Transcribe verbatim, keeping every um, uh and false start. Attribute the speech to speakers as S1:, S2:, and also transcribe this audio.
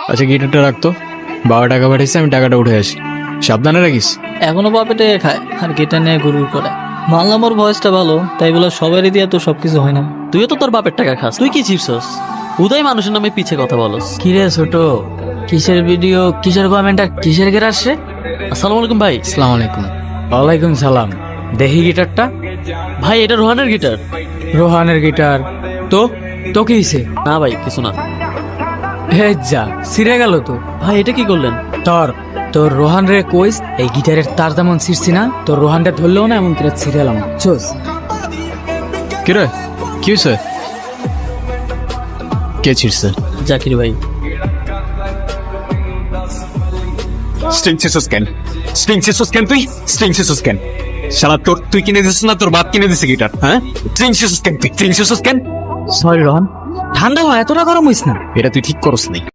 S1: আচ্ছা গিটারটা রাখতো, বাবা টাকা পাঠিয়েছে, আমি টাকাটা উঠে আসি, সাবধানে রাখিস।
S2: এখনো বাপেটে খায় আর গিটার নিয়ে গুরুর করে। মানলাম ওর ভয়েসটা ভালো, তাই বলে সবারই দিয়ে তো সবকিছু হয় না।
S3: তুইও তো তোর বাপের টাকা খাস, তুই কি চিপছস? উদয় মানুষের নামে পিছে কথা বলস।
S2: কিরে ছোট, কিসের ভিডিও, কিসের কমেন্ট আর কিসের গের আসছে?
S3: আসসালামু আলাইকুম ভাই।
S1: আসসালামু আলাইকুম।
S4: ওয়ালাইকুম সালাম। দেখি গিটারটা।
S3: ভাই এটা রোহানের গিটার।
S4: রোহানের গিটার? তো তো কি হয়েছে?
S3: না ভাই কিছু না।
S4: হে যা, ছিঁড়ে গেল তো।
S3: ভাই এটা কি করলেন?
S4: তোর তোর রোহান রে কইস এই গিটারের তার যেমন ছিঁড়ছি না, তোর রোহানটা ধরলেও না এমন করে ছিঁড়ে এলাম। চোস
S1: কিরে কি হয়েছে? কে ছিড়ছে?
S3: জাকির ভাই।
S5: স্ট্রিং সিসুস কেন স্ট্রিং সিসুস কেন তুই স্ট্রিং সিসুস কেন শালা তোর তুই কিনে দিছিস না তোর বাপ কিনে দিছে গিটার? হ্যাঁ স্ট্রিং সিসুস কেন তুই স্ট্রিং সিসুস কেন?
S4: সরি রোহান, ঠান্ডা হয়, এতটা গরম হইস না।
S5: এটা তুই ঠিক করস নাই।